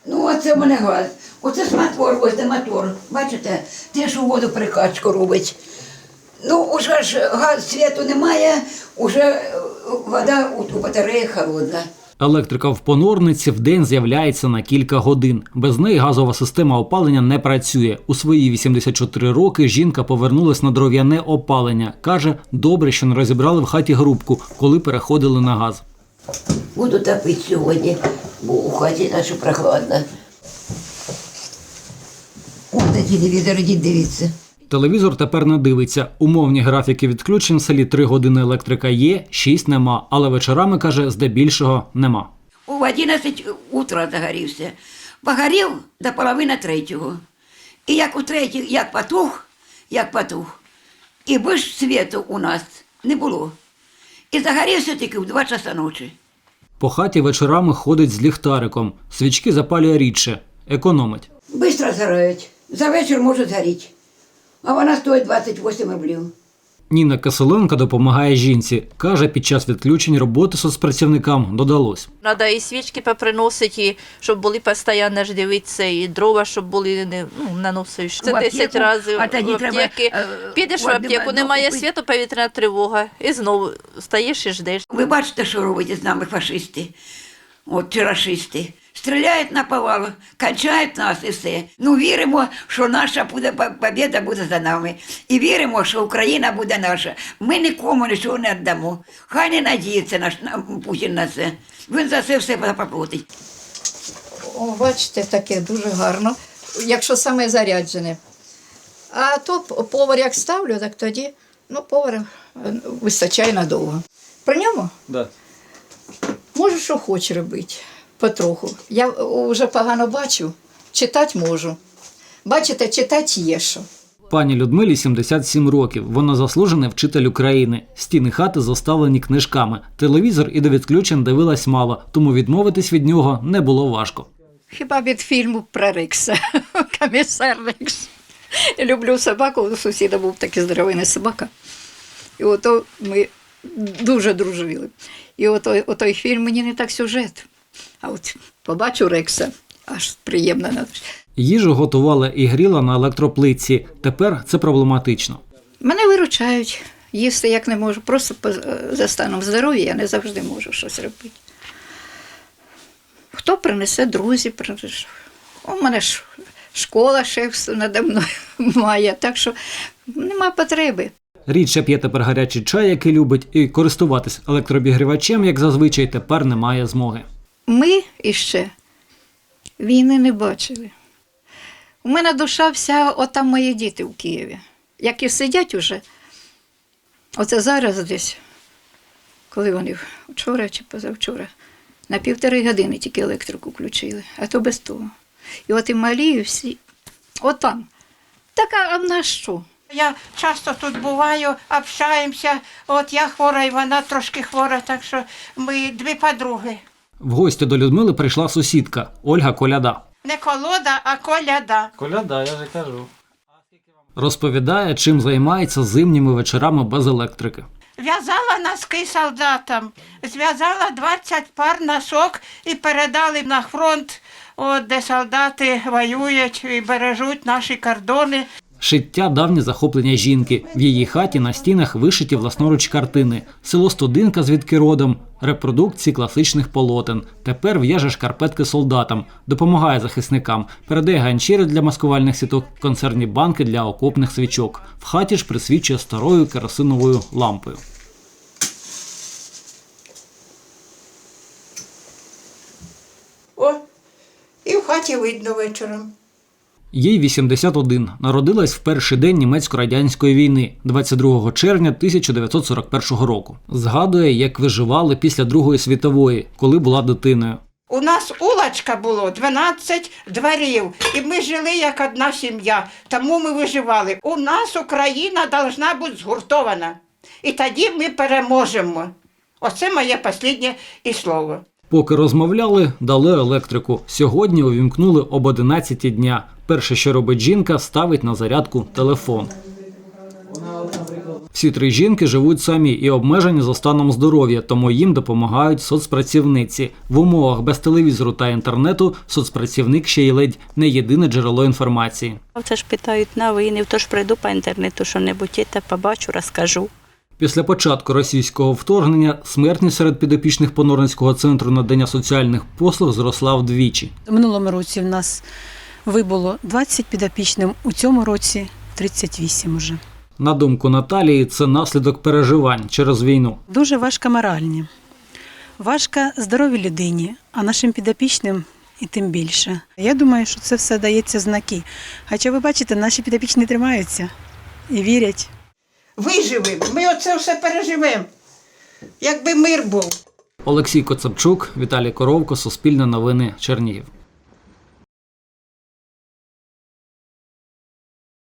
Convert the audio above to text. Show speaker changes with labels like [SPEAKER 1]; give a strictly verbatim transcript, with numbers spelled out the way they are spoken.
[SPEAKER 1] Ну, оце в мене газ. Оце з мотор, ось де мотор. Бачите, те, що воду прикачку робить. Ну, уже ж газ, світу немає, уже вода у батареї холодна.
[SPEAKER 2] Електрика в Понорниці вдень з'являється на кілька годин. Без неї газова система опалення не працює. У свої вісімдесят чотири роки жінка повернулась на дров'яне опалення. Каже, добре, що не розібрали в хаті грубку, коли переходили на газ.
[SPEAKER 1] Буду топити сьогодні, бо у хаті наша прохладна. Ось на телевізор, ідіть дивіться.
[SPEAKER 2] Телевізор тепер не дивиться. Умовні графіки відключень в селі три години електрика є, шість нема. Але вечорами, каже, здебільшого нема.
[SPEAKER 1] У одинадцять утра загорівся. Погорів до половини третього. І як у третій, як потух, як потух. І більш світу у нас не було. І загорівся тільки в два часа ночі.
[SPEAKER 2] По хаті вечорами ходить з ліхтариком. Свічки запалює рідше. Економить.
[SPEAKER 1] Бистро згорають. За вечір може згоріти. А вона стоїть двадцять вісім рублів.
[SPEAKER 2] Ніна Киселенко допомагає жінці. Каже, під час відключень роботи соцпрацівникам додалось.
[SPEAKER 3] Треба і свічки поприносити, і щоб були постійно ж дивитися, і дрова, щоб були, не, ну, наносиш. Це десять разів
[SPEAKER 1] а тоді
[SPEAKER 3] в
[SPEAKER 1] треба,
[SPEAKER 3] аптеки.
[SPEAKER 1] е,
[SPEAKER 3] Підеш в
[SPEAKER 1] води
[SPEAKER 3] аптеку,
[SPEAKER 1] воду
[SPEAKER 3] немає
[SPEAKER 1] купити.
[SPEAKER 3] світу, повітряна тривога. І знову стаєш і ждеш.
[SPEAKER 1] Ви бачите, що роблять з нами фашисти, от чи рашисти. Стріляють на повал, качають нас і все. Ну, віримо, що наша буде, побєда буде за нами. І віримо, що Україна буде наша. Ми нікому нічого не віддамо. Хай не надіється наш на- Путін на це. Він за це все поплатить.
[SPEAKER 4] О, бачите, таке дуже гарно, якщо саме заряджене. А то повар як ставлю, так тоді, ну, повар е, вистачає надовго. При ньому
[SPEAKER 2] Да.
[SPEAKER 4] можу, що хочу робити, потроху. Я вже погано бачу, читати можу. Бачите, читати є що.
[SPEAKER 2] Пані Людмилі сімдесят сім років. Вона заслужений вчитель України. Стіни хати заставлені книжками. Телевізор і до відключень дивилась мало, тому відмовитись від нього не було важко.
[SPEAKER 4] Хіба від фільму про Рекса, комісар Рекс. Я люблю собаку, у сусіда був такий здоровий собака. І ото ми дуже дружили. І ото, отой фільм мені не так сюжет. А от побачу Рекса, аж приємно.
[SPEAKER 2] Їжу готувала і гріла на електроплитці. Тепер це проблематично.
[SPEAKER 4] Мене виручають. Їсти як не можу. Просто по- за станом здоров'я я не завжди можу щось робити. Хто принесе, друзі принесе. У мене ж школа шеф надо мною має, так що нема потреби.
[SPEAKER 2] Рідше п'є тепер гарячий чай, який любить, і користуватись електрообігрівачем, як зазвичай, тепер немає змоги.
[SPEAKER 4] Ми іще війни не бачили. У мене душа вся, отам мої діти в Києві. Як і сидять уже, оце зараз десь, коли вони вчора чи позавчора, на півтори години тільки електрику включили, а то без того. І от і малі, і всі, отам. Так, а в нас що?
[SPEAKER 5] Я часто тут буваю, общаємося. От я хвора, і вона трошки хвора, так що ми дві подруги.
[SPEAKER 2] В гості до Людмили прийшла сусідка Ольга Коляда.
[SPEAKER 5] Не колода, а коляда.
[SPEAKER 2] Коляда, я вже кажу. Розповідає, чим займається зимніми вечорами без електрики.
[SPEAKER 5] В'язала носки солдатам, зв'язала двадцять пар носок і передали на фронт, от, де солдати воюють і бережуть наші кордони.
[SPEAKER 2] Шиття – давнє захоплення жінки. В її хаті на стінах вишиті власноруч картини. Село Студинка, звідки родом, репродукції класичних полотен. Тепер в'яже шкарпетки солдатам, допомагає захисникам, передає ганчіри для маскувальних сіток, консервні банки для окопних свічок. В хаті ж присвічує старою керосиновою лампою.
[SPEAKER 5] О, і в хаті видно вечором.
[SPEAKER 2] Їй вісімдесят один. Народилась в перший день німецько-радянської війни, двадцять другого червня тисяча дев'ятсот сорок першого року. Згадує, як виживали після Другої світової, коли була дитиною.
[SPEAKER 5] У нас улочка було дванадцять дворів, і ми жили як одна сім'я, тому ми виживали. У нас Україна повинна бути згуртована, і тоді ми переможемо. Оце моє останнє і слово.
[SPEAKER 2] Поки розмовляли, дали електрику. Сьогодні увімкнули об одинадцятій дня. Перше, що робить жінка, ставить на зарядку телефон. Всі три жінки живуть самі і обмежені за станом здоров'я, тому їм допомагають соцпрацівниці. В умовах без телевізору та інтернету соцпрацівник ще й ледь не єдине джерело інформації.
[SPEAKER 6] Це ж питають новини, тож прийду по інтернету, що-небудь є, та побачу, розкажу.
[SPEAKER 2] Після початку російського вторгнення смертність серед підопічних Понорницького центру надання соціальних послуг зросла вдвічі.
[SPEAKER 7] У минулому році в нас вибуло двадцять підопічних, у цьому році тридцять вісім уже.
[SPEAKER 2] На думку Наталії, це наслідок переживань через війну.
[SPEAKER 7] Дуже важко моральні, важко здоровій людині, а нашим підопічним і тим більше. Я думаю, що це все дається знаки. Хоча ви бачите, наші підопічні тримаються і вірять.
[SPEAKER 5] Виживемо, ми оце все переживемо, якби мир був.
[SPEAKER 2] Олексій Коцапчук, Віталій Коровко, Суспільне новини, Чернігів.